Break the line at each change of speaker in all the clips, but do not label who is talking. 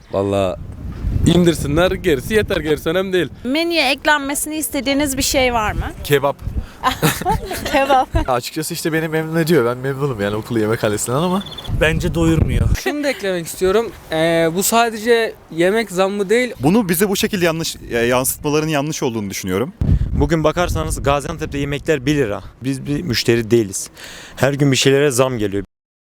Vallahi indirsinler, gerisi yeter, gerisi önemli değil.
Menüye eklenmesini istediğiniz bir şey var mı?
Kebap.
Kebap.
Açıkçası işte beni memnun ediyor. Ben memnunum yani okul yemekhanesinden ama.
Bence doyurmuyor.
Şunu da eklemek istiyorum. Bu sadece yemek zammı değil.
Bunu bize bu şekilde yansıtmaların yanlış olduğunu düşünüyorum.
Bugün bakarsanız Gaziantep'te yemekler 1 lira. Biz bir müşteri değiliz. Her gün bir şeylere zam geliyor.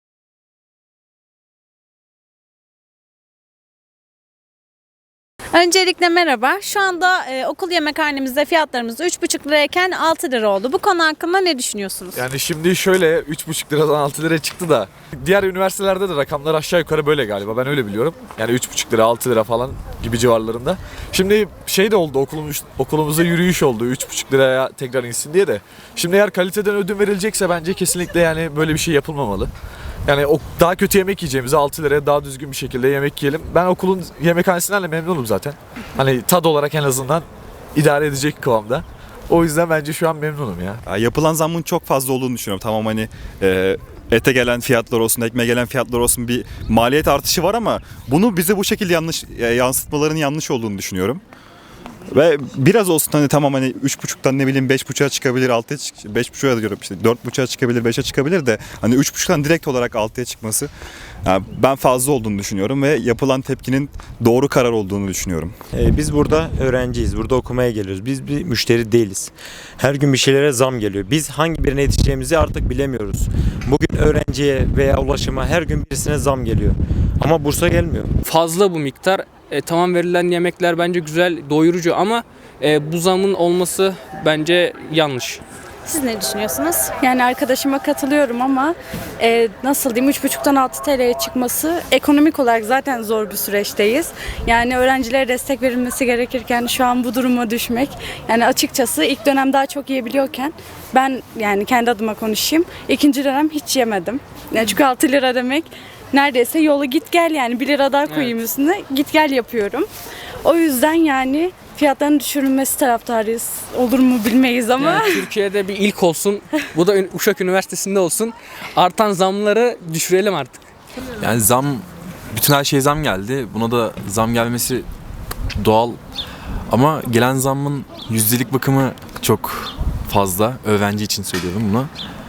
Öncelikle merhaba. Şu anda okul yemekhanemizde fiyatlarımız 3,5 lirayken 6 lira oldu. Bu konu hakkında ne düşünüyorsunuz?
Yani şimdi şöyle 3,5 liradan 6 liraya çıktı da diğer üniversitelerde de rakamlar aşağı yukarı böyle galiba. Ben öyle biliyorum. Yani 3,5 lira 6 lira falan gibi civarlarında. Şimdi şey de oldu okulumuzda yürüyüş oldu 3,5 liraya tekrar insin diye de. Şimdi eğer kaliteden ödün verilecekse bence kesinlikle yani böyle bir şey yapılmamalı. Yani daha kötü yemek yiyeceğimize 6 liraya daha düzgün bir şekilde yemek yiyelim. Ben okulun yemekhanesinden de memnunum zaten. Hani tad olarak en azından idare edecek kıvamda. O yüzden bence şu an memnunum ya.
Ya yapılan zammın çok fazla olduğunu düşünüyorum. Tamam hani ete gelen fiyatlar olsun, ekmeğe gelen fiyatlar olsun bir maliyet artışı var ama bunu bize bu şekilde yansıtmaların yanlış olduğunu düşünüyorum. Ve biraz olsun hani tamam hani 3,5'tan ne bileyim 5,5'a çıkabilir, 5,5'a diyorum işte 4,5'a çıkabilir, 5'e çıkabilir de hani 3,5'tan direkt olarak 6'ya çıkması yani ben fazla olduğunu düşünüyorum ve yapılan tepkinin doğru karar olduğunu düşünüyorum.
Biz burada öğrenciyiz. Burada okumaya geliyoruz. Biz bir müşteri değiliz. Her gün bir şeylere zam geliyor. Biz hangi birine yetişeceğimizi artık bilemiyoruz. Bugün öğrenciye veya ulaşıma her gün birisine zam geliyor. Ama bursa gelmiyor.
Fazla bu miktar. Tamam, verilen yemekler bence güzel, doyurucu ama bu zamın olması bence yanlış.
Siz ne düşünüyorsunuz?
Yani arkadaşıma katılıyorum ama nasıl diyeyim 3,5'tan 6 TL'ye çıkması ekonomik olarak zaten zor bir süreçteyiz. Yani öğrencilere destek verilmesi gerekirken şu an bu duruma düşmek yani açıkçası ilk dönem daha çok yiyebiliyorken ben yani kendi adıma konuşayım ikinci dönem hiç yemedim. Yani çünkü 6 lira demek neredeyse yolu git gel yani 1 lira daha koyayım üstüne git gel yapıyorum. O yüzden yani fiyatların düşürülmesi taraftarıyız. Olur mu bilmeyiz ama.
Yani Türkiye'de bir ilk olsun. Bu da Uşak Üniversitesi'nde olsun. Artan zamları düşürelim artık.
Yani bütün her şeye zam geldi. Buna da zam gelmesi doğal. Ama gelen zammın yüzdelik bakımı çok fazla. Öğrenci için söylüyorum bunu.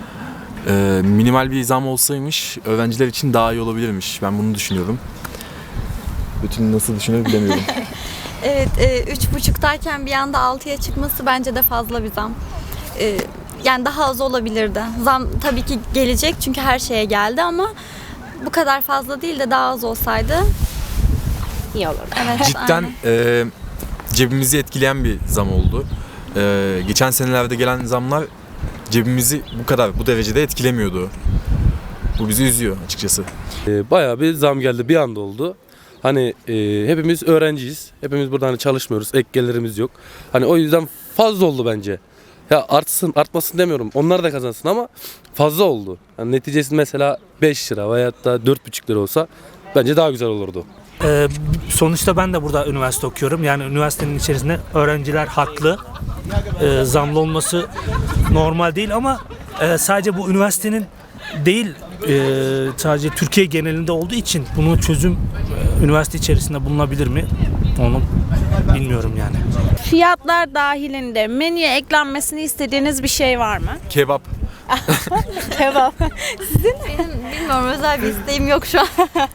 Minimal bir zam olsaymış öğrenciler için daha iyi olabilirmiş. Ben bunu düşünüyorum. Bütün nasıl düşünür bilemiyorum.
Evet, 3,5'tayken bir anda 6'ya çıkması bence de fazla bir zam. Yani daha az olabilirdi. Zam tabii ki gelecek çünkü her şeye geldi ama bu kadar fazla değil de daha az olsaydı
İyi olur.
evet.
Cidden cebimizi etkileyen bir zam oldu. Geçen senelerde gelen zamlar cebimizi bu derecede etkilemiyordu. Bu bizi üzüyor açıkçası.
Bayağı bir zam geldi, bir anda oldu. Hani hepimiz öğrenciyiz. Hepimiz burada hani çalışmıyoruz. Ek gelirimiz yok. Hani o yüzden fazla oldu bence. Ya artmasın demiyorum. Onlar da kazansın ama fazla oldu. Yani neticesi mesela 5 lira veyahut da 4,5 lira olsa bence daha güzel olurdu.
Sonuçta ben de burada üniversite okuyorum. Yani üniversitenin içerisinde öğrenciler haklı. Zamlı olması normal değil ama sadece bu üniversitenin değil sadece Türkiye genelinde olduğu için bunun çözüm üniversite içerisinde bulunabilir mi? Onu bilmiyorum yani.
Fiyatlar dahilinde menüye eklenmesini istediğiniz bir şey var mı?
Kebap.
Kebap.
Benim bilmiyorum özel bir isteğim yok şu an.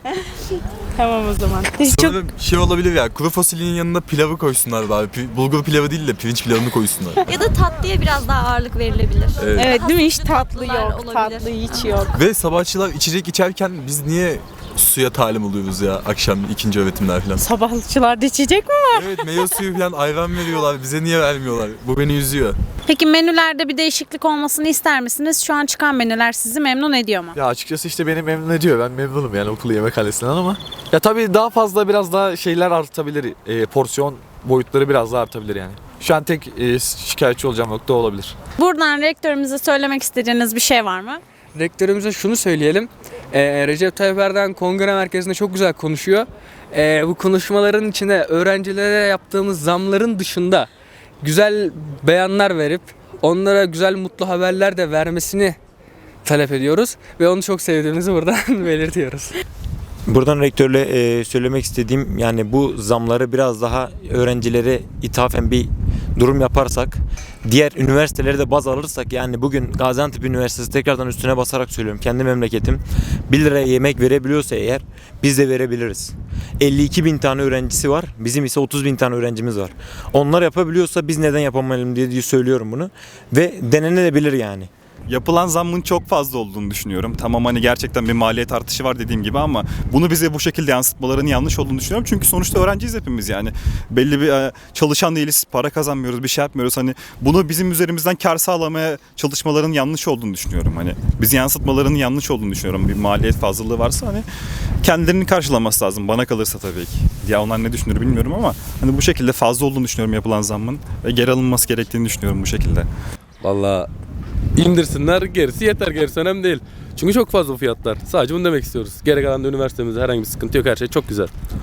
Tamam o zaman.
Sanırım şey olabilir ya, kuru fasulyenin yanına pilavı koysunlar abi. Bulgur pilavı değil de pirinç pilavını koysunlar.
Ya da tatlıya biraz daha ağırlık verilebilir.
Evet değil mi? Hiç tatlı
Tatlılar
yok.
olabilir.
Tatlı hiç yok.
Ve sabahçılar içecek içerken biz niye suya talim oluyoruz ya akşam ikinci öğretimler falan.
Sabahçılarda içecek mi var?
Evet, meyve suyu falan ayran veriyorlar, bize niye vermiyorlar? Bu beni üzüyor.
Peki menülerde bir değişiklik olmasını ister misiniz? Şu an çıkan menüler sizi memnun ediyor mu?
Ya açıkçası işte beni memnun ediyor. Ben memnunum yani okul yemekhanesinden ama. Ya tabii daha fazla biraz daha şeyler artabilir. Porsiyon boyutları biraz daha artabilir yani. Şu an tek şikayetçi olacağım nokta olabilir.
Buradan rektörümüze söylemek istediğiniz bir şey var mı?
Rektörümüze şunu söyleyelim. Recep Tayyip Erdoğan kongre merkezinde çok güzel konuşuyor. Bu konuşmaların içinde öğrencilere yaptığımız zamların dışında güzel beyanlar verip onlara güzel mutlu haberler de vermesini talep ediyoruz ve onu çok sevdiğimizi buradan belirtiyoruz.
Buradan rektörle söylemek istediğim, yani bu zamları biraz daha öğrencilere ithafen bir durum yaparsak, diğer üniversiteleri de baz alırsak, yani bugün Gaziantep Üniversitesi, tekrardan üstüne basarak söylüyorum, kendi memleketim 1 liraya yemek verebiliyorsa eğer, biz de verebiliriz. 52 bin tane öğrencisi var, bizim ise 30 bin tane öğrencimiz var. Onlar yapabiliyorsa biz neden yapamayalım diye söylüyorum bunu ve denenebilir yani.
Yapılan zammın çok fazla olduğunu düşünüyorum. Tamam, hani gerçekten bir maliyet artışı var dediğim gibi ama bunu bize bu şekilde yansıtmalarının yanlış olduğunu düşünüyorum. Çünkü sonuçta öğrenciyiz hepimiz yani. Belli bir çalışan değiliz, para kazanmıyoruz, bir şey yapmıyoruz. Hani bunu bizim üzerimizden kar sağlamaya çalışmaların yanlış olduğunu düşünüyorum. Hani bizi yansıtmalarının yanlış olduğunu düşünüyorum. Bir maliyet fazlalığı varsa hani kendilerini karşılaması lazım bana kalırsa tabii ki. Ya onlar ne düşünür bilmiyorum ama hani bu şekilde fazla olduğunu düşünüyorum yapılan zammın ve geri alınması gerektiğini düşünüyorum bu şekilde.
Vallahi indirsinler, gerisi yeter, gerisi önemli değil. Çünkü çok fazla fiyatlar. Sadece bunu demek istiyoruz. Geri kalan da üniversitemizde herhangi bir sıkıntı yok, her şey çok güzel.